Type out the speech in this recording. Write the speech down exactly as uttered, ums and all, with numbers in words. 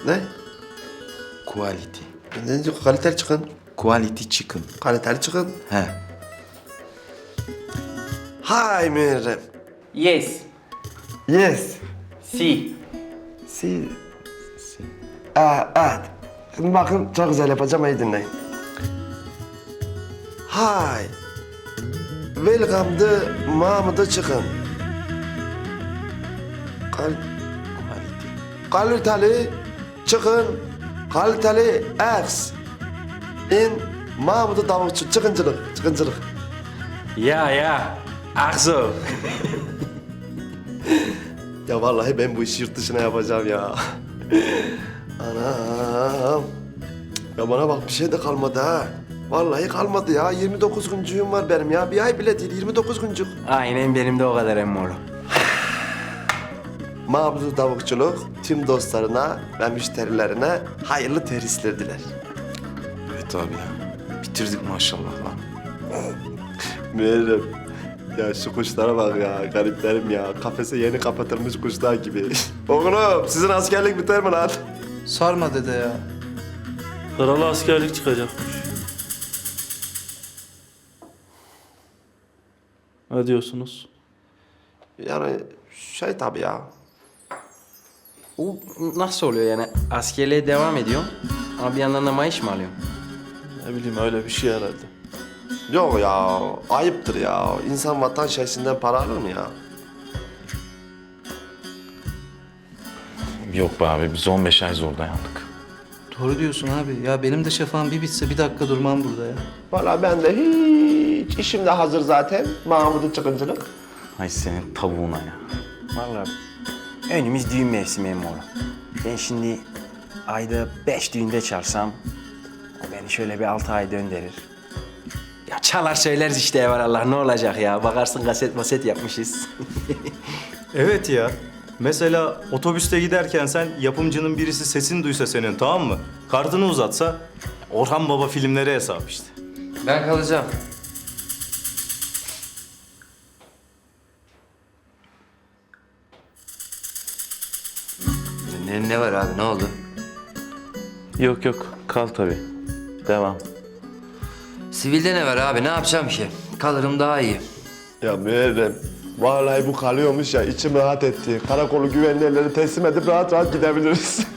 Ne? Quality. Ne diyor? Kaliteli çıkın. Quality chicken. Kaliteli çıkın. He. Hi Muharrem. Yes. Yes. Si. Si. Aa, evet. Şimdi bakın çok güzel yapacağım, iyi dinleyin. Hi. Welcome to Mahmut'a çıkın. Kal Quality. kaliteli çıkın. Kaliteli eggs. In Mahmut'a tavukçu çıkıncılık. Çıkıncılık. Ya ya. Akso. Ya vallahi ben bu işi yurt dışına yapacağım ya. Anam. Ya bana bak bir şey de kalmadı ha. Vallahi kalmadı ya. yirmi dokuz güncüğüm var benim ya. Bir ay bile değil, yirmi dokuz güncük. Aynen benim de o kadar emmoğlu. Mahmut Tavukçuluk tüm dostlarına ve müşterilerine hayırlı terhisler diler. Evet abi ya. Bitirdik maşallah lan. Muharrem. Ya şu kuşlara bak ya, gariplerim ya. Kafese yeni kapatılmış kuşlar gibi. Oğlum sizin askerlik biter mi lan? Sarma dede ya. Kralı askerlik çıkacakmış. Ne diyorsunuz? Yani şey tabii ya. Bu nasıl oluyor yani? Askerliğe devam ediyorum ama bir yandan da maaş mı alıyorum? Ne bileyim öyle bir şey herhalde. Yok ya, ayıptır ya. İnsan vatan şeysinden para alır mı ya? Yok be abi biz on beş ay zor dayandık. Doğru diyorsun abi. Ya benim de şafağım bir bitse bir dakika durmam burada ya. Vallahi ben de hiç işim de hazır zaten. Mahmut'un çıkıncılık. Ay senin tavuğuna ya. Vallahi önümüz düğün mevsimi emmoğlu. Ben şimdi ayda beş düğünde çalsam o beni şöyle bir altı ay döndürür. Ya çalar söyleriz işte evvelallah ne olacak ya. Bakarsın kaset maset yapmışız. Evet ya. Mesela otobüste giderken sen yapımcının birisi sesini duysa senin, tamam mı? Kartını uzatsa Orhan Baba filmleri hesap işte. Ben kalacağım. Ne, ne var abi, ne oldu? Yok yok kal tabii. Devam. Sivilde ne var abi, ne yapacağım ki? Kalırım daha iyi. Ya Muharrem, vallahi bu kalıyormuş ya, içim rahat etti. Karakolu güvenli elleri teslim edip rahat rahat gidebiliriz.